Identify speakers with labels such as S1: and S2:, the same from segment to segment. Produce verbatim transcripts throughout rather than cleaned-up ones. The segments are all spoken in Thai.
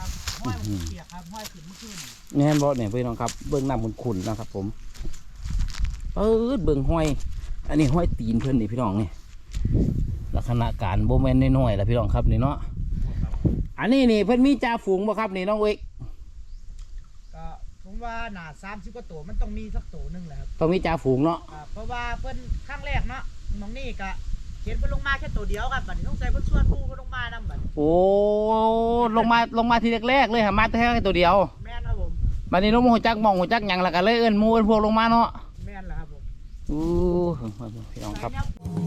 S1: ครับห้อยมันเปียกครับห้อยขึ้นเมื่อคืน
S2: แน่นบ่เนี่ยพี่น้องครับเบื้องน้ำขุ่นๆนะครับผมเออเบื้องห้อยอันนี้ห้อยตีนเพื่อนนี่พี่น้องนี่ลักษณะการโบแมนน้อยๆแหละพี่น้องครับนี่เนาะอันนี้นี่เพื่อนมีจ่าฝูงบ่ครับนี่น้องเอก
S1: ก็ผมว่าหนาสามสิบกว่าตัวมันต้องมีสักตัวหนึ่งแหละครับ
S2: ต้องมีจ่าฝูงเนาะ
S1: เพราะว่าเพื่อนข้างแรกเนาะมองนี่ก็เขียนเพื่อนลงมาแค่ตัวเดียวครับบัดนี้ต้องใส่เพื่อนส่วนผู้เพื่อนลงมานั่นบัด
S2: โอ้ลงมาลงมาทีแรกๆเลยหามาแค่ตัวเดียว
S1: แม่นครับผม
S2: บัดนี้น้องหัวจักมองหัวจักหยังละกันเลยเอิ้นมูเอิ้นพวกลงมาเนาะ
S1: แม่นแหละครับผม
S2: อู้พี่น้องครับ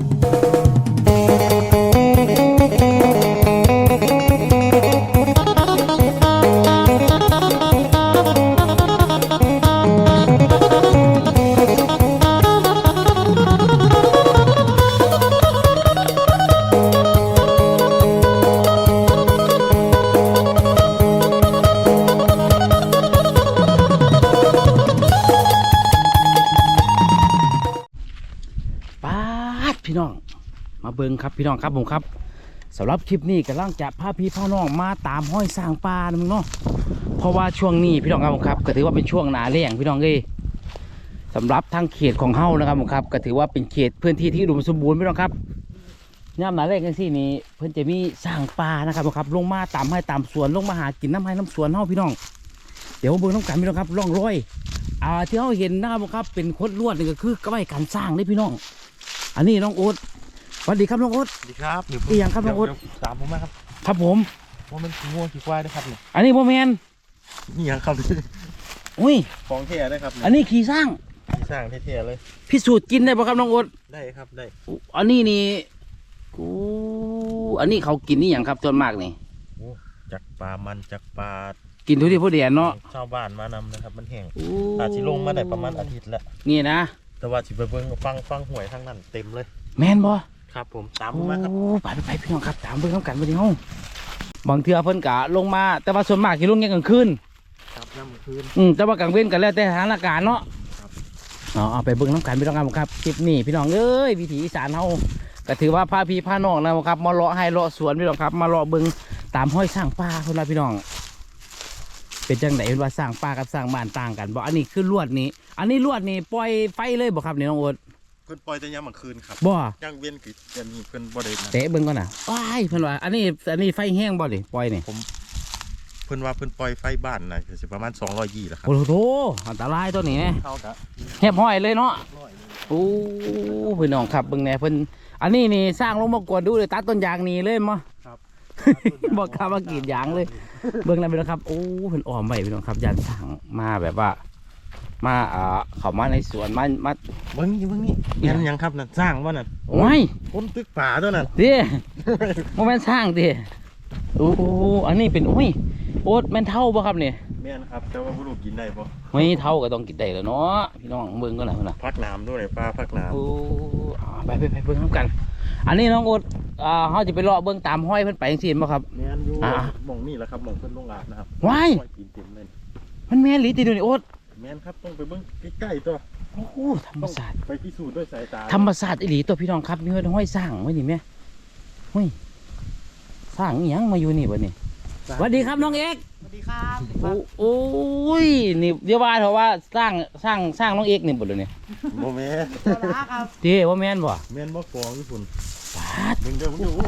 S2: พี่น้องมาเบิ่งครับพี่น้องครับผมครับสำหรับคลิปนี้กำลังจะพาพี่พาน้องมาตามห้อยสร้างปลานะมึงเนาะเพราะว่าช่วงนี้พี่น้องครับผมครับก็ถือว่าเป็นช่วงหนาแล้งพี่น้องเอ้ยสำหรับทางเขตของเฮานะครับผมครับก็ถือว่าเป็นเขตพื้นที่ที่อุดมสมบูรณ์พี่น้องครับย่ามหนาแล้งกันที่นี้เพื่อนจะมีสร้างปลานะครับผมครับลงมาตามให้ตามสวนลงมาหากินน้ำให้น้ำสวนเฮาพี่น้องเดี๋ยวเบิ่งน้ำกันพี่น้องครับร่องรอยอ่าที่เฮาเห็นนะครับผมครับเป็นคดลวดนี่ก็คือกระไว้การสร้างนี่พี่น้องอันนี้น้องโอ๊ตสวัสดีครับน้องโอ๊ต
S3: สวัสดีครับ
S2: อีหยังครับน้องโอ๊ต
S3: ตามผมมาครับ
S2: ครับผม
S3: ว่ามันขี้งัวขี้ควายนะครับเนี่ย
S2: อันนี้โมเมน
S3: นี่ยังครับ
S2: อุ้ย
S3: ของเท่ได้ครับ
S2: อันนี้ขี่สร้าง
S3: ขี่สร้างเท่ๆเลย
S2: พิสูจน์กินได้ป่ะครับน้องโอ๊ต
S3: ได้ครับได้
S2: อันนี้นี่กูอันนี้เขากินนี่อย่างครับส่วนมากนี่
S3: จักปลามันจักปลา
S2: กินทุกที่พอดีเนาะ
S3: ชาวบ้านมานำนะครับมันแห้งอาจจะลงมาได้ประมาณอาทิตย์แล้ว
S2: นี่นะ
S3: แต่ว่าสิไปเบิ่งฟังฟังหวยทั้งนั้นเต็มเลย
S2: แมนบ่
S3: ครับผมตามผมมาครับ
S2: ไปไปไปพี่น้องครับตามเบิ่งน้ำกันไปที่ห้องบางเทื่อเพิ่นกะลงมาแต่ว่าส่วนมากที่ลงแค่กลางคืน
S3: ครับน้ำคืน
S2: อืมแต่ว่ากลางเว้นกันแล้วแต่สถานการณ์เนาะครับอ๋อเอาไปเบิ่งน้ำกันพี่น้องครับคลิปนี้พี่น้องเอ้ยวิถีอีสานเฮาก็ถือว่าพาพี่พาน้องนะครับมาเลาะให้เลาะสวนพี่น้องครับมาเลาะเบิ่งตามห้อยสร้างป่าเพิ่นว่าพี่น้องเป็นจังไหนเห็นว่าสร้างป่ากับสร้างบ้านต่างกันบอกอันนี้คือลวดนี้อันนี้ลวดนี่ปล่อยไฟเลยบอกครับนี่น้องโอ๊ต
S3: เพิ่นปล่อยแต่ยามกลางคืนครับ
S2: บ่
S3: ย่างเวียนกิจะมีเพิ่นบ่ได้
S2: เตะเบิ่งก่อนน่ะว้ายเพิ่นว่าอันนี้อันนี้ไฟแห้งบ่ดิปล่อยนี่
S3: ผมเพิ่นว่าเพิ่นปล่อยไฟบ้านน่ะสิประมาณสองร้อยยี่แหละครับ
S2: โอ้โหอันตรายตัวนี้แน่
S3: เท่ากับ
S2: แหบห้อยเลยเนาะโอ้พี่น้องครับเบิ่งแน่เพิ่นอันนี้นี่สร้างลงมากวดดูเลยตัดต้นยางนี่เลยมั้งครับบอกข้ามากรีดยางเลยเบิ่งแล้วพี่น้องครับโอ้เพิ่นอ้อมไว้พี่น้องครับยันสร้างมาแบบว่ามาอ่าเข้ามาในสวนมามา
S3: เบิ่งนี่เบิ่งนี่ยันยังครับน่ะสร้างว่าน่ะ
S2: โอ้ย
S3: คนตึกป่าตัวนั้น
S2: ดิโมเมนต์สร้างดิโอ้อันนี้เป็นโอ้ยโอ๊ตแม่นเท่าป่ะครับเนี่ย
S3: แม่นครับแต่ว่าผู้ลูกกินได้ป่ะ
S2: ไม่เท่าก็ต้องกินได้แล้วเนาะพี่น้องเบิ่งก็หน่อยนะ
S3: พักน้ำด้วยปลาพักน้ำ
S2: โอ้ไปไปไปเบิ่งน้ำกันอันนี้น้องโอ๊ตอ่าเขาจะไปเลาะเบิ่งตามห้อยเพิ่นไปจังซี่บ่ครับ
S3: แม่นอยู่มองนี่แหละครับมองเพิ่นลงอาบนะครับ
S2: ว้ายมันแม่นหรือติดูนี่โอ๊ต
S3: แม่นครับต้องไปเบิ่งใกล้ๆตัว
S2: โอ้ธรรมศาสตร์
S3: ไปพิสูจน์ด้วยสายตา
S2: ธรรมศาสตร์อีหลีตัวพี่น้องครับมีห้อยสร้างไว้นี่แม่ห้อยสร้างอีหยังมาอยู่นี่บ่นี่สวัสดีครับน้องเอก
S1: สวัสดีครับ
S2: โอ้ยนี่เดี๋ยวว่าเถอะว่าสร้างสร้างสร้างน้องเอกนี่บ่เลยเนี่ย
S3: โมเมนต์
S1: ครับ
S2: เจ้ว่าแม่นบ่
S3: แม่นบ่ฟองญี่ปุ่น
S2: ปาด
S3: มึงเดี๋ยวมึงเดี๋ยว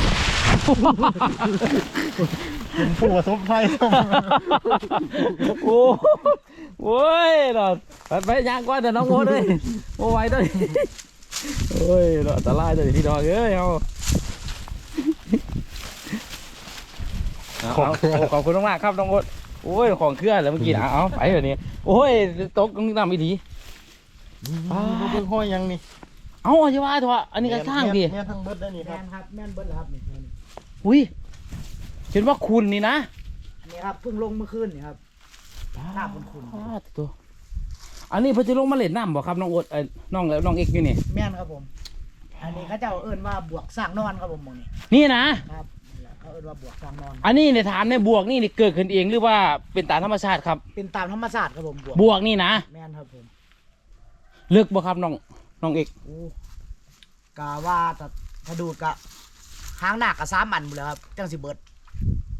S3: เป็นผู้ประสบภัย
S2: โอ้โว้ยเนาะไปยางกว่าแต่น้องโว้เลยโอ้ไว้ด้วยโอ้ยเนาะอันตรายเลยพี่น้องเอ้ยเอาขอบขอบคุณมากครับน้องโอ๊ตโอ้ยของเครื่องแล้วเมื่อกี้นะเอาไปแบบนี้โอ้ยตกน้ำอีดี
S3: เบิ่งห้อยยังนี่
S2: เอาใช่ว่าเถอะอันนี้ก็สร้างดิ
S3: แม่ทั้งเบิดได้นี่ครับ
S1: แม่ครับแม่นเบิดครับนี่
S2: อุ้ยเห็นว่าคุณนี่นะ
S1: อันนี้ครับเพิ่งลงเมื่อคืนนี่ครับน้ำคุณคุณ
S2: ตัวอันนี้เพิ่งจะลงมาเล่นน้ำบ่ครับน้องโอ๊ตน้องน้องเอกอยู่นี่
S1: แม่นครับผมอันนี้เขาเจ้าเอิ้นว่าบวกสร้างนอนครับผมมองนี่
S2: นี่นะครับ
S1: เขาเอิ้นว่าบวกสร้างนอน
S2: อันนี้เนี่ยถามในบวกนี่เกิดขึ้นเองหรือว่าเป็นตามธรรมชาติครับ
S1: เป็นตามธรรมชาติครับผม
S2: บวกนี่นะ
S1: แม่นครับผม
S2: เลือกบ่ครับน้องน้องเอก
S1: กะว่าถ้าดูกะหางหนักกะสามอันหมดแล้วครับจังสิเบิด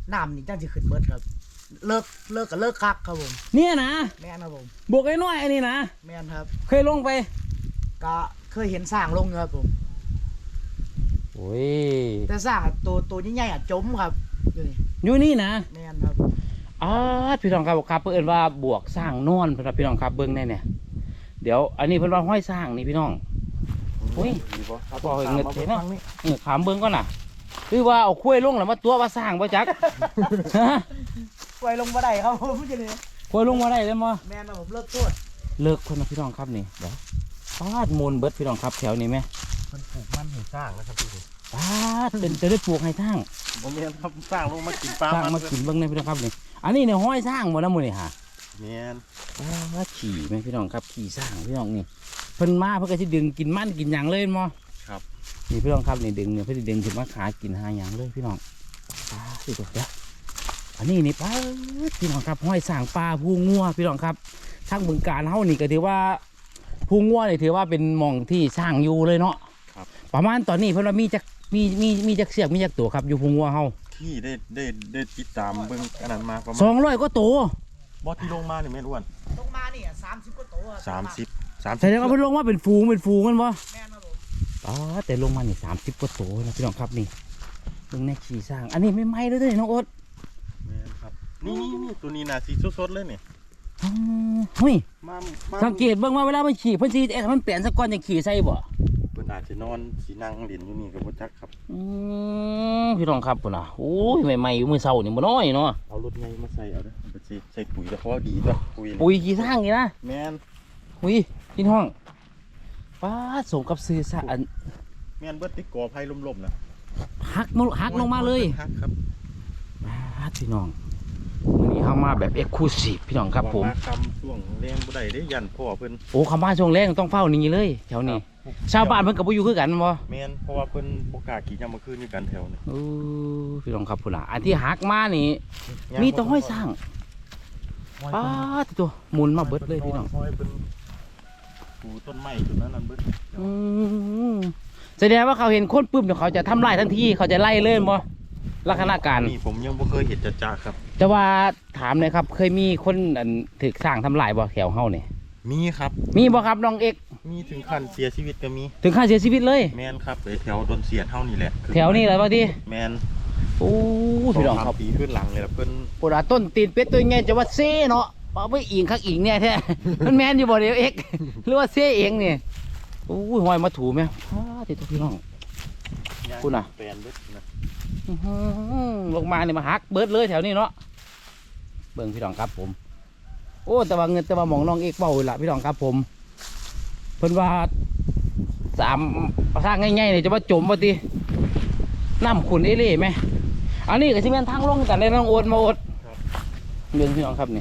S1: น้ำนี่จังสิขึ้นเบิดครับ เลิกเลิกกับเลิกคักครับผม
S2: เนี่ยนะ
S1: แม่นครับผม
S2: บวกไอ้น้อยไอ้นี่นะ
S1: แม่นครับ
S2: เคยลงไป
S1: ก็เคยเห็นสร้างลงครับผม
S2: โอ้ย
S1: แต่สร้างตัวตัวใหญ่ๆอ่ะจมครับอยู่นี่
S2: อยู่นี่นะ
S1: แม่นครับ
S2: อ๋อพี่น้องครับครับเพื่อนว่าบวกสร้างนอนเพื่อนพี่น้องครับเบิ้งแน่เนี่ยเดี๋ยวอันนี้เพื่อนว่าห้อยสร้างนี่พี่น้องโอ้ย
S3: ดีบ่ครับ
S2: บอกให้เงินเทเนาะ
S3: ฟังนี่
S2: เออขามเบิ้งก่อนน่ะคือว่าเอาคุ้ยลงแล้วมาตัวว่าสร้างบ่จัก
S1: ปล่อยลงมาได้ครับผมจะนี่
S2: คุ้ยลงมาได้เลยมั้
S1: แม่นครับผมเลิกโทษ
S2: เลิกคนนะพี่น้องครับนี่เดี๋ยวปาดมูลเบิดพี่น้องครับแถวนี้ไหม
S3: มันปลูกมันให้สร้างนะครับพี่
S2: ปาดเป็นจะได้ปลูกให้ทั้ง
S3: ผมเรียนครับสร้างลงมากินปลา
S2: สร้างมากินเบิ้งในพี่น้องครับนี่อันนี้เนี่ยห้อยสร้างหมดแล้วมูนี่ฮะ
S3: เมียน
S2: ว่าขี่ไหมพี่น้องครับขี่สร้างพี่น้องนี่เพิ่นมาเพิ่นก็สิดึงกินมันกินหยังเลยมั้ง
S3: ครับ
S2: นี่พี่น้องครับนี่ดึงเนี่ยเพิ่นสิดึงขึ้นมาขากินหาหยังเลยพี่น้องปลาสิตัวเดียวอันนี้นี่ปลาพี่น้องครับห้อยสร้างปลาผู้งัวพี่น้องครับทางบึงการเฮานี่ก็ถือว่าผู้งัวนี่ถือว่าเป็นหม่องที่สร้างอยู่เลยเนาะ
S3: ครับ
S2: ประมาณตอนนี้เพิ่นว่ามีจักมีมีมีจักเสียกมีจักตัวครับอยู่ผู้งัวเฮา
S3: ที่ได้ได้ได้ติดตามเบิ่งอันนั้นมาประมา
S2: ส
S3: ณ
S2: องร้อยก็ตัว
S3: บอสที่ลงมานี่แม่นอ้วน
S1: ลงมานี่สามสิบกว่าตัวครับ
S3: สามสิบสามสิบ
S2: แสดงว่าเพิ่นลงมาเป็นฝูงเป็นฝูงกันบ่
S1: แม่นครับผม
S2: อ๋อแต่ลงมานี่สามสิบกว่าตัวนะพี่น้องครับนี่เบิ่งแน่ขี่สร้าง อันนี้ไม่ไหม้เลยเด้อน้องโอ๊ต
S3: แม่นครับนี่นี่นี่ตัวนี้น่ะสีสดๆเลยนี่
S2: อ๋อเฮ้ย
S3: มามา
S2: สังเกตเบิ่งว่าเวลามันขี่เพิ่นสิเอ๊ะมันเปลี่ยนสักก้อนจังขี่ใส่บ่
S3: เพิ่นอาจจะนอนสีนั่งเล่นอยู่นี่ก็บ่จักครับ
S2: อืมพี่น้องครับพุ่นน่ะโอ้ยใหม่ๆอยู่มื้อเช้านี่บ่น้อยเนาะ
S3: เอารถไงมาใส่เอาเด้อเอาไปสิใส่ปุ๋ยแล้วเพราะว่าดีด้วยปุ๋ยนี่
S2: ปุ๋ยขี่สร้างนี่นะ
S3: แม่น
S2: อุ้ยพี่น้องป้าดสมกับซื้อซะอัน
S3: แม่นเบิดติกอไผ่ล่มๆนะ
S2: หักมาหักลงมาเลย
S3: หักครับ
S2: ป้าดพี่น้องวันนี้เข้ามาแบบเอ็กซ์คลูซีฟพี่น้องครับผม
S3: ว่าคำช่วงแรงบ่ได้เด้ยันพ่อเพิ่น
S2: โอ้คำว่าช่วงแรกต้องเฝ้านี่เลยแถวนี้
S3: ครับ
S2: ชาวบ้านเพิ่นก็บ่อยู่คือกันบ่
S3: แม่นเพราะว่าเพิ่นบ่กล้าขี่ยามมื้อคืนอยู่กันแถวนี้
S2: โอ้พี่น้องครับพุ่นน่ะอันที่หักมานี่ มีแต้องห้อยสร้างป้าดตัวหมุนมาเบิดเลยพี่น้อง
S3: ห้อยเพิ่นปลูกต้นไม้ต้นนั้นนั่นเบิด
S2: อืมแสดงว่าเขาเห็นคนปุ๊บเดี๋ยวเขาจะทำลายทันทีเขาจะไล่เลยบ่ลักษณะการ
S3: นี่ผมยังบ่เคยเห็นจ้าๆครับ
S2: แต่ว่าถามหน่อยครับ เคยมีคนอันถึกสร้างทำลายบ่แถวเฮานี่
S3: มีครับ
S2: มีบ่ครับน้องเอก
S3: มีถึงขั้นเสียชีวิตก็มี
S2: ถึงขั้นเสียชีวิตเลย
S3: แม่นครับไปแถวดนเสียนเฮานี่แหละ
S2: แถวนี้เลยบางที
S3: แม่น
S2: โอ้พี่น้องครับ
S3: สามปีขึ้นหลังเลยล่ะเพิ่น
S2: ปวดต้นตีนเป็ดตัวไงจะว่าเซ่เนาะเอาไปอิงคักอิงเนี่ยแท้ มันแมนอยู่บ่เดียวเอกหรือว่าเซ่เองนี่โอ้ยหอยมาถูไหมอ้าติดตัวพี่น้อง คุณน่ะ
S3: แปลนเบิดนะ
S2: อื้อหือลงมาเนี่ยมาหักเบิดเลยแถวนี้เนาะเบิ่งพี่น้องครับผม โอ้แต่ว่าเงินแต่ว่าหมองน้องเอกเบาละพี่น้องครับผมเพิ่นว่าสามสร้างง่ายๆเลยจะว่าจมว่าติน้ำขุนเอเล่ไหมอันนี้ก็สิแม่นทางลงกันได้น้องโอดมาโอดเบิ่งพี่น้องครับนี่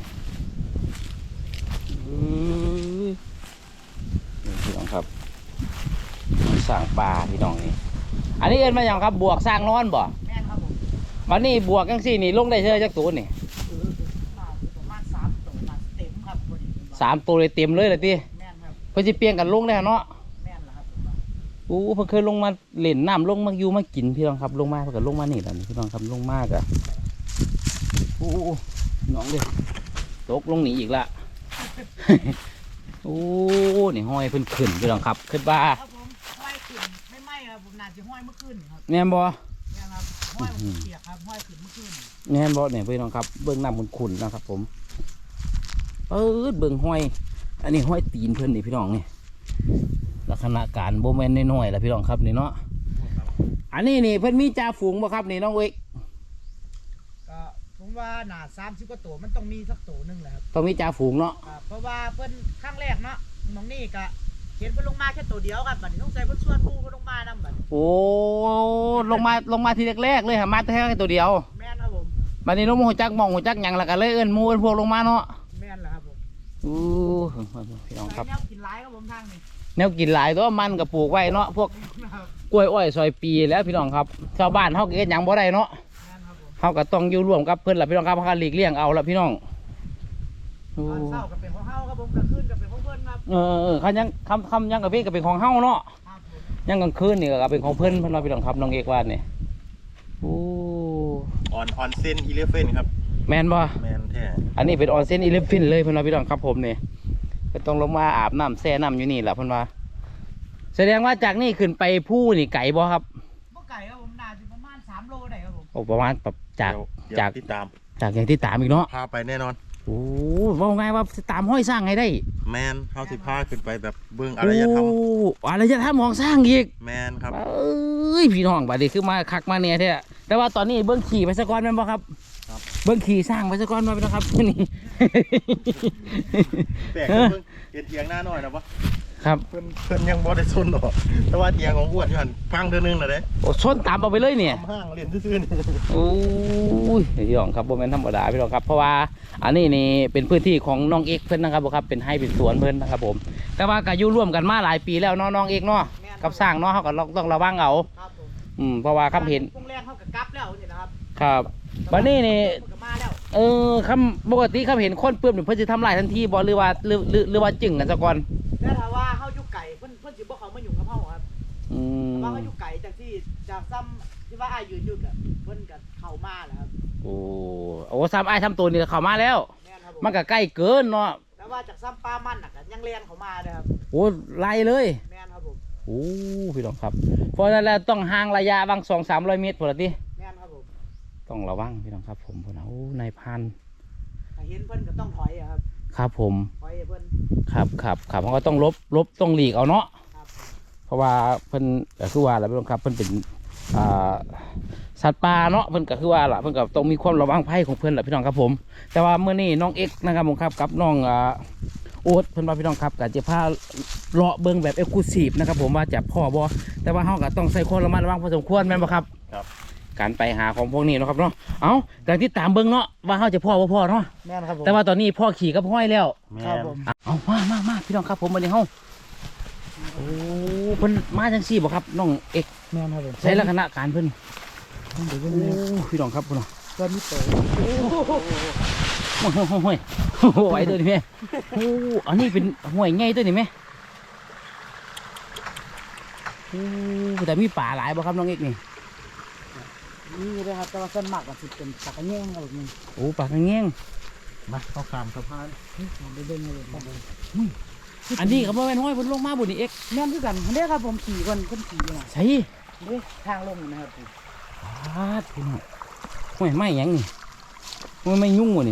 S2: อื้อนี่พี่น้องครับสร้างปลาพี่น้องนี่อันนี้เอิ้นมาอย่างครับบวกสร้างนอนบ่
S1: แม่นครับผม
S2: วันนี้บวกจังซี่นี่ลงได้เท่าจักตัวนี่
S1: เออมาประมาณสามตัวมาเต็มครับพอดี
S2: สามตัวเลยเต็มเลยเลยติ
S1: แม่นครับ
S2: เพิ่นสิเปลี่ยนกันลงได้เนาะ
S1: แม่นล่ะครับผมว่า
S2: โอ้เพิ่นเคยลงมาเล่นน้ำลงมาอยู่มากินพี่น้องครับลงมาเพิ่นก็ลงมานี่แหละนี่พี่น้องครับลงมากอะโอ้น้องเด้ตกลงหนีอีกละ โอ้นี่ห้อยเพิ่นขึ้นพี่น้องครับขึ้นบ้า
S1: ครับผมห้อยขึ้นไม่ไหม้ครับผมน่าจะห้อยเมื่อคืนนี่ครับ
S2: แม่นบ่
S1: แม่นครับห้อยมันเปียกครับห้อยขึ้นเมื่อคืนนี่
S2: แม่นบ่เนี่ยพี่น้องครับเบิ่งน้ำขุ่นๆนะครับผมเปิดเบิ่งห้อย อันนี้ห้อยตีนเพิ่นนี่พี่น้องนี่ลักษณะการโบแมนน้อยๆแหละพี่น้องครับนี่เนาะอันนี้นี่เพิ่นมีจ่าฝูงบ่ครับนี่น้องเอก
S1: ก็ผมว่าหนาสามสิบกว่าตัวมันต้องมีสักตัวหนึงแหละครับ
S2: ต้องมีจ่าฝูงเนาะ
S1: ครับเพราะว่าเพิ่นครั้งแรกเนาะหมองนี่ก็เห็นเพิ่นลงมาแค่ตัวเดียวครับบัดนี้ต้องใส่เพิ่นชวนหมู่เพิ่นลงมานำบัดนี้
S2: โอ้ลงมาลงมาทีแรกๆเลยหามาแต่แค่ตัวเดียว
S1: แม่นครับผม
S2: บัดนี้น้องโมโหจักมองหัวจักหยังและกันเลยเอิ้นหมูเอิ้นพวกลงมาเนาะ
S1: แม่นแหละครับผม
S2: อู้พี่น้องครับ
S1: ใส่แนวกินหลายครับผมทางนี้
S2: แนวกินหลายตัวมันกับปลูกไว้เนาะพวก
S1: ครับ
S2: กล้วยอ้อยซอยปีแล้วพี่น้องครับชาวบ้านเฮาก็เฮ็ดหยังบ่ได้เนาะ
S1: แม่นครับผม
S2: เฮาก็ต้องอยู่ร่วมกับเพิ่นล่ะพี่น้องครับเฮาก็หลีกเลี่ยงเอาล่ะพี่น้องโอ้
S1: ตอนเช้าก็เป็นของเฮาครับผมกลางคืนก็เป็นของเพิ่นครับ
S2: เออเออคันยังคำคำยังกับพี่ก็เป็นของเฮาเนาะ
S1: ครับผม
S2: ยังกลางคืนนี่ก็เป็นของเพิ่นเพิ่นว่าพี่น้องครับน้องเอกว่านี่โอ้
S3: ออนออนเซนอีเลฟเฟนครับ
S2: แมนบ่
S3: แมนแท้
S2: อันนี้เป็นออนเซนอีเลฟฟินเลยเพิ่นว่าพี่น้องครับผมนี่เพิ่นต้องลงมาอาบน้ำแช่น้ำอยู่นี่แหละเพิ่นว่าแสดงว่าจากนี่ขึ้นไปผู้นี่ไก่บ่ครับ
S1: บ่ไก่ครับผมน่าจะประมาณสามโลได้ครับผม
S2: โอ้ประมาณแบบจาก
S3: เดี๋ยว
S2: จาก
S3: เดี๋ยวติดตาม
S2: จากอย่างที่ตามอีกเนาะ
S3: พาไปแน่นอน
S2: โอ้ว่าไงว่าตามห้อยสร้างไงได้
S3: แมนเฮาสิพาขึ้นไปแบบเบิ่งอารยธรรม
S2: โอ้อารยธรรมของสร้างอีก
S3: แมนครับ
S2: เอ้ยพี่น้องบัดนี้คือมาคักมาเนี่ยแท้แต่ว่าตอนนี้เบิ้งขี่ไปสะก้อนแม่นบ่ครับ
S3: ครับ
S2: เบิ้งขี่สร้างไปสะก้อนมาพี่น้องครับ นี่
S3: แปลกเบิ่งเห็นเถียงหน้าหน่อยนะปะ
S2: ครับ
S3: เพิ่นเพิ่นยังบ่ได้ซนหรอกแต่ว่าเถียงของอ้วนอยู่หั่นพังเทื่อนึงน่ะเด้
S2: โอ้ชนตามเอาไปเลยเนี่ย
S3: ทำห้างเล่นซื่อๆนี่
S2: โอ้ยพี่น้องครับโมเมนธรรมดาพี่น้องครับเพราะว่าอันนี้นี่เป็นพื้นที่ของน้องเอกเพิ่นนะครับผมครับเป็นให้เป็นสวนเพิ่นนะครับผมแต่ว่าก็อยู่ร่วมกันมาหลายปีแล้วเนาะน้องเอกเนาะกับสร้างเนาะเขาก็ต้องระวังเอา
S1: ครับผม
S2: อืมเพราะว่าคำเห็น
S1: พวกแรงเข้ากับกลับแล้วนี่นะครับ
S2: ครับวันนี้นี่
S1: เพิ่นก็มาแล้ว
S2: เออคำปกติคำเห็นคนเปื้อนเพิ่นจะทำลายทันทีบ่หรือว่าหรือหรือหรือว่าจึงกันซะก่อน
S1: แล้วถ้าว่าเฮาอยู่ไก่เพิ่นเพิ่นสิบ่เข้ามายุ่งกับเฮาครับ
S2: อืม
S1: แต่ว่าเฮาอยู่ไก่จากที่จากซ้ำที่ว่าอ้ายยืนอยู่กับเพิ่นก็เข้ามาแล้วครับ
S2: โอ้โอ้ซ้ำไอ้ายทำตัวนี่เข้ามาแล้ว
S1: แม่นครับผม
S2: มันก็ใกล้เกินเนาะ
S1: แต่ว่าจากซ้ำปลามันน่ะก็ยังแรงเข้ามาเลยครับ
S2: โอ้ไล่เลย
S1: แม่นครับผม
S2: โอ้พี่น้องครับเพราะฉะนั้นแล้วต้องห่างระยะบางสองสามร้อยเมตรพอละติ
S1: แม่นครับผม
S2: ต้องระวังพี่น้องครับผมพุ่นน่ะโอ้นายพัน
S1: ถ้าเห็นเพิ่นก็ต้องถอยอะครับ
S2: ครับผม
S1: ถอยให้เพิ่น
S2: ครับครับครับเขาก็ต้องลบลบต้องหลีกเอาเนาะ
S1: ครับผม
S2: เพราะว่าเพิ่นก็คือว่าอะไรพี่น้องครับเพิ่นเป็นอ่าสัตว์ป่าเนาะเพิ่นก็คือว่าล่ะเพิ่นก็ต้องมีความระวังภัยของเพิ่นแหละพี่น้องครับผม แต่ว่าเมื่อนี้น้องเอ็กซ์นะครับผมครับกับน้องอ่าโอ๊ตเพิ่นว่าพี่น้องครับก็จะพาเลาะเบิ่งแบบเอ็กซ์คลูซีฟนะครับผมว่าจะพ่อบ่แต่ว่าเฮาก็ต้องใส่ความระมัดระวังพอสมควรแม่นบ่ครับ
S3: ครับ
S2: การไปหาของพวกนี้เนาะครับเนาะเอ้าแต่ที่ตามเบิ่งเนาะว่าเฮาจะพ่อบ่พ่อเนาะ
S1: แม่นครับผม
S2: แต่ว่าตอนนี้พ่อขี่กับห้อยแล้ว
S3: แม
S1: ครับ
S3: น
S1: ผม
S2: เอามามามาพี่น้องครับผมมาในห้องโอ้เพิ่นมาจังซี่บ่ครับน้องเอก
S1: แม่นครับผม
S2: ใช้ลักษณะการเพิ่น
S1: เดี๋ยว
S2: โอ้
S1: เพิ่น
S2: พี่น้องครับพุ่นน่ะ
S1: เพิ่นมีโต
S2: โอ้โหโอ้ยโอ้โหไหวตัวนี้แม่โอ้อันนี้เป็นห้วยใหญ่ตัวนี้แม่โอ้แต่มีป่าหลายบ่ครับน้องเอกนี่
S1: นี่เลยครับแต่ว่าส่วนมากก็สิเป็นปลากระแยงครับผม
S2: โอ้ป่ากระแงง
S3: มาเข้าข้ามสะพาน
S1: ผมไปเบิ่งเลยครับผม
S2: อันนี้ก็บ่แม่นห้อยเพิ่นลงมาบ่นี่เอก
S1: แม่นคือกันเด้ครับผมขี่เพิ่นเพิ่นขี่น่ะ
S2: ใช่
S1: เด้ทางลงนะครับผม
S2: ปาดพี่น้องห้วยไม้หยังนี่ห้วยไม้ยุ่งบ่นี่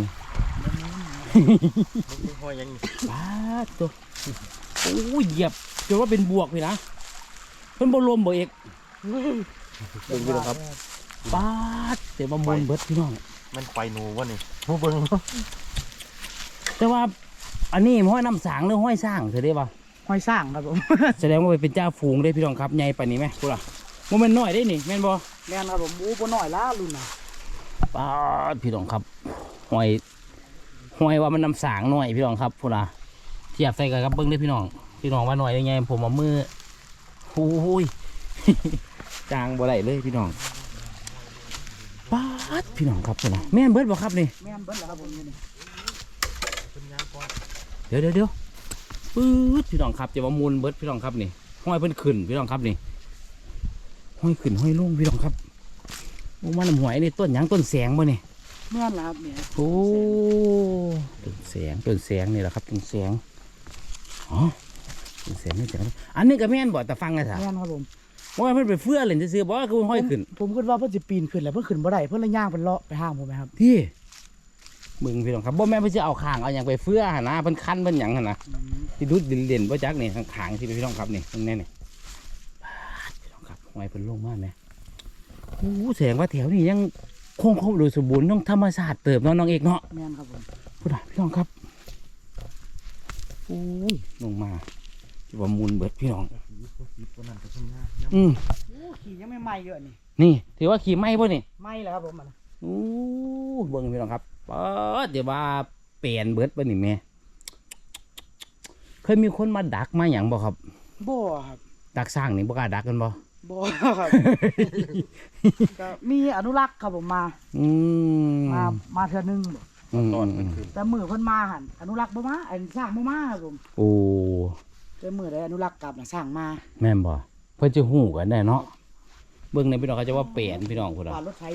S3: มีห้อยยัง
S2: ปาดตัวโอ้ยเหยียบจนว่าเป็นบวกเลยนะเพิ่นบ่รวมบ่เอกเบิ่งพี่น้องครับปาดแต่ว่ามวลเบิดพี่น้อง
S3: มันไฟหนูวะนี่ผู้เบิ่ง
S2: แต่ว่าอันนี้ห้อยน้ำสางหรือห้อยสร้างเธอได้ป่ะ
S1: ห้อยสร้างครับผม
S2: แสดงว่าเป็นเจ้าฝูงได้พี่น้องครับใหญ่ปานนี้ไหมพูดล่ะมันเป็นน้อยได้นี่แม่นบ่
S1: แม่นครับผมอู้บ่น้อยล้ารุ่นน่ะ
S2: ปาดพี่น้องครับห้อยห้อยว่ามันน้ำสางน้อยพี่น้องครับพูดล่ะเทียบใส่กันกับเบิ้งได้พี่น้องพี่น้องว่าน้อยได้ไงผมเอามือโอ้ย จางบ่ได้เลยพี่น้องปาดพี่น้องครับพูดล่ะแม่นเบิดบ่ครับนี่
S1: แม่นเบิ่นแล้วครับผมนี่นี่
S2: เดี๋ยวเดี๋ยวเดี๋ยวปื๊ดพี่น้องครับจะว่ามูลเบิดพี่น้องครับนี่ห้อยเพิ่นขึ้นพี่น้องครับนี่ห้อยขึ้นห้อยลงพี่น้องครับโอ้มันหวยนี่ต้นหยังต้นแสงบ่นี่
S1: แม่นแล้วครับเนี่ย
S2: โอ้ต้นแสงต้นแสงนี่แหละครับต้นแสงอ๋อต้นแสงนี่แสงอันนี้ก็แม่นบ่แต่ฟังไงสะ
S1: แม่นครับผม
S2: ว่าเพิ่นไปเฟื้อเล่นซื่อๆบ่ว่าคือห้อยขึ้น
S1: ผมคิดว่าเพิ่นสิปีนขึ้นแล้วเพิ่นขึ้นบ่ได้เพิ่นเลยย่างเป็นเลาะไปห้างผมไหมครับ
S2: ที่มึงพี่น้องครับบ่แม่นเพิ่นสิเอาข้างเอาหยังไปเฟื้อหั่นนะเพิ่นคันเพิ่นหยังหั่นนะที่ดุดเด่นๆบ่จักนี่ข้างๆที่พี่น้องครับนี่ตรงนี้นี่ปาดพี่น้องครับห้อยเพิ่นลงมาแม่โอ้แสดงว่าแถวนี้ยังคงครบโดยสมบูรณ์ต้องธรรมชาติเติบเนาะน้องเอกเนาะ
S1: แม่นครับผม
S2: พูดอ่ะพี่น้องครับโอ้ยลงมาจะว่ามูลเบิดพี่น้องอืม
S1: โอ้ขี่ยังไม่ไหม้เยอะนี่
S2: นี่ถือว่าขี่ไหม้ป่ะนี่
S1: ไหม้แล้วครับผมมัน
S2: โอ้เบิ่งพี่น้องครับเปิดเดี๋ยวว่าเปลี่ยนเบิดป่ะนี่แม่เคยมีคนมาดักมาอย่างบ่ครับ
S1: บ่ครับ
S2: ดักสร้างนี่บ่กล้าดักกันบ่
S1: บ่ครับ ก็มีอนุรักษ์ครับผมมา
S2: อืม
S1: มามาเทื่อนึง
S2: อืม
S3: ตอน
S2: อื
S3: มัน
S2: ม
S3: ขึ้น
S1: แต่มือเพิ่นมาหั่นอนุรักษ์บ่มาอันสร้างบ่มาครับผม
S2: โอ้
S1: แต่มือได้อนุรักษ์กลับน่ะสร้างมา
S2: แม่นบ่เพิ่นจะหู้กันได้เนาะเบิ่งในพี่น้องเขาจะว่าเปลี่ยนพี่น้องพุ่นอ่ะ
S1: ว่ารถไฟดูด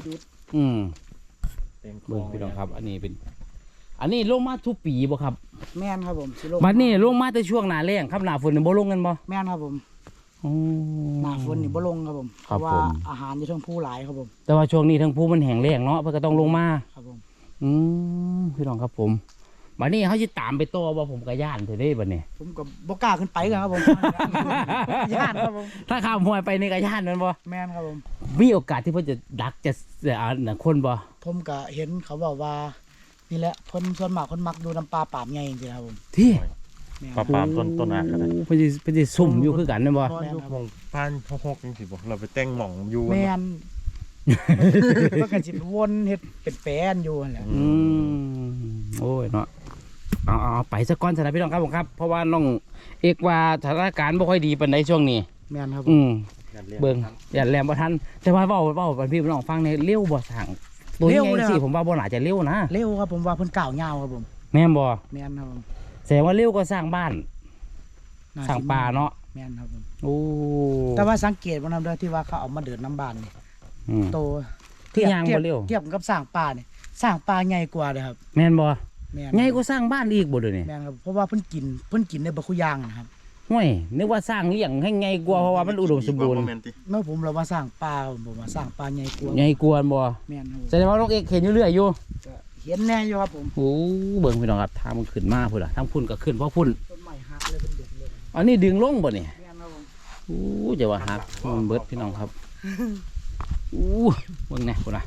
S2: อืม
S3: เต็มคล
S2: เบิ่
S3: อง ง
S2: พี่น้องครับ อันนี้เป็น อันนี้ลงมาทุกปีบ่ครับ
S1: แม่นครับผมสิลง
S2: บัดนี้ลงมาแต่ช่วงหน้าแล้งครับหน้าฝนนี่บ่ลงกันบ่
S1: แม่นครับผม
S2: อ๋อ
S1: หน้าฝนนี่บ่ลงครับผม
S2: ค
S1: เพ
S2: รับ
S1: ราะว่า
S2: ผม
S1: อาหารอยู่เทั้งผู้หลายครับผม
S2: แต่ว่าช่วงนี้ทั้งภูมันแห้งแล้งเนาะเพิ่นก็ต้องลงมา
S1: ครับผม
S2: อืมพี่น้องครับผมบัดนี้เขาสิตามไปต่อบ่ผมก็ย่านเด้อเด้บัดนี้
S1: ผมก็บ่กล้าขึ้นไปกันครับผม ย่านครับผม
S2: ถ้าข้ามห้วยไปนี่ก็ย่านแม่นบ่
S1: แม่นครับผม
S2: มีโอกาสที่เพิ่นจะดักจะอ่าน่ะคนบ่
S1: ผมก็เห็นเขาบอกว่านี่แหละคนส่วนมากคนมักดูน้ำปลาปามใหญ่จริงๆครับผม
S2: ที่
S1: แม่น
S3: ปลาปามต้นต้นหน้าก็ได้
S2: เพิ่นสิเพิ่นสิซุ่มอยู่คือกันแม่นบ่
S3: นอนอยู่หมองพานหกๆจังซี่บ่เราไปแต่งหม่องอยู่
S1: แม่นมันก็สิวนเฮ็ดเป็นแปลนอยู่นั่นแหละ
S2: อืมโอ้ยเนาะเอาเอาเอาไปซะก่อนสำหรับพี่น้องครับผมครับ เพราะว่าน้องเอกว่าสถานการณ์บ่ค่อยดีปานใดช่วงนี้
S1: แม่นครับผ
S2: อื
S1: ม
S2: มเบิ่งอย่าแลมบ่ทันแต่ว่าเว้าเว้าบัดพี่น้องฟังในเร็วบ่สั่งตัวใหญ่สิผมว่าบ่น่าจะเร็วนะ
S1: เร็วครับผมว่าเพิ่นก้าวยาวครับผม
S2: แม่นบ่
S1: แม่นครับผม
S2: แสดงว่าเร็วก็สร้างบ้าน
S1: น่
S2: สร้างป่าเนาะ
S1: แม่นครับผม
S2: โอ้
S1: แต่ว่าสังเกตบ่นำเด้อที่ว่าเขาเอามาเดินน้ำบ้านนี่
S2: อืม
S1: โต
S2: ที่ยางบ่เร็ว
S1: เทียบกับสร้างป่านี่สร้างป่าใหญ่กว่าเลยครับ
S2: แม่นบ่
S1: แม่น
S2: ใหญ่ก็สร้างบ้านอีกบ่เดี๋ยวนี้
S1: แม่นครับเพราะว่าเพิ่นกินเพิ่นกินได้บ่คุอย่างนะครับ
S2: ห้วยนึกว่าสร้างเลี้ยงให้ใหญ่กว่าเพราะว่ามันอุดมสมบูรณ์
S3: บ่แม่นติ
S1: เมื่อผมเราว่าสร้างป่าผมว่าสร้างป่าใหญ่กว่า
S2: ใหญ่กว่าบ่
S1: แม่นครับ
S2: แสดงว่าน้องเอกเห็นอยู่เรื่อยอยู่
S1: ก็เห็นแน่อยู่ครับผม
S2: โอ้เบิ่งพี่น้องครับทางมันขึ้นมาพุ่นล่ะทางพุ่นก็ขึ้นเพราะพุ่น
S1: ต้นไม้หักเลยเป็นเด็กเลย
S2: อันนี้ดึงลงบ่นี่
S1: แม่นครับผม
S2: โอ้จะว่าหักมันเบิดพี่น้องครับโอ้เบิ่งแน่พุ่นน่ะ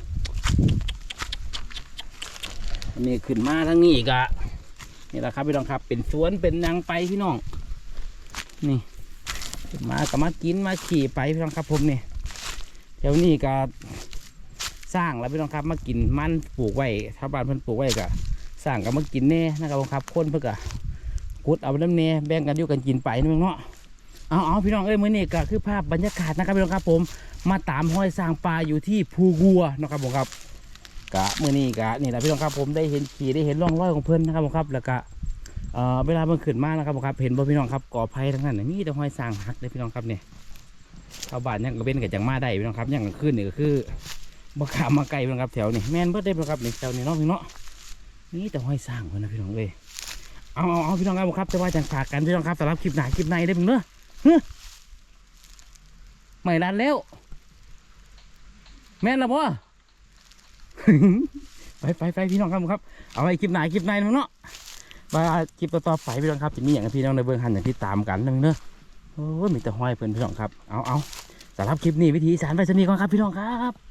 S2: อันนี้ขึ้นมาทางนี้อีกอะนี่แหละครับพี่น้องครับ เป็นสวนเป็นหยังไปพี่น้องนี่ขึ้นมาก็มากินมาขี่ไปพี่น้องครับผมนี่แถวนี้ก็สร้างแล้วพี่น้องครับมากินมันปลูกไว้ชาวบ้านเพิ่นปลูกไว้ก็สร้างก็มากินแน่นะครับผมครับคนเพิ่นก็กุดเอาไปน้ำเน่แบ่งกันอยู่กันกินไปนี่มึงเนาะเอาเอาพี่น้องเอ้ยมื้อนี้ก็คือภาพบรรยากาศนะครับพี่น้องครับผมมาตามห้อยสร้างปลาอยู่ที่ภูกัวนะครับผมครับกะมื้อนี้กะนี่แหละพี่น้องครับผมได้เห็นขี่ได้เห็นร่องรอยของเพิ่นนะครับผมครับแล้วก็เอ่อเวลามันขึ้นมานะครับผมครับเห็นบ่พี่น้องครับก่อไผ่ทั้งนั้นน่ะมีแต่ห้อยสร้างหักเลยพี่น้องครับเนี่ยชาวบ้านยังก็เป็นกับจังมาได้พี่น้องครับยังก็ขึ้นนี่ก็คือบ่ขามมาไกลพี่น้องครับแถวนี้แม่นเบิดได้พี่น้องครับนี่แถวนี้เนาะพี่เนาะนี่แต่ห้อยสร้างเพิ่นนะพี่น้องเอ้ยเอาเอาเอาพี่น้องครับผมครับแต่ว่าจังฝากกันพี่น้องครับสำหรับคลิปหน้าคลิปในได้อมึงเนาะเฮ้ยไม่รันแล้ว แม่นละบ่ ไปไปไปพี่น้องครับผมครับเอาไว้คลิปหน้าคลิปในมึงเนาะมาคลิปต่อๆไปพี่น้องครับจะมีอย่างพี่น้องในเบื้องหันอย่างที่ตามกันนึงเนอะโอ้ยมีแต่ห้อยเพิ่นพี่น้องครับเอาเอาสำหรับคลิปนี้วิธีสารไปสนีก่อนครับพี่น้องครับ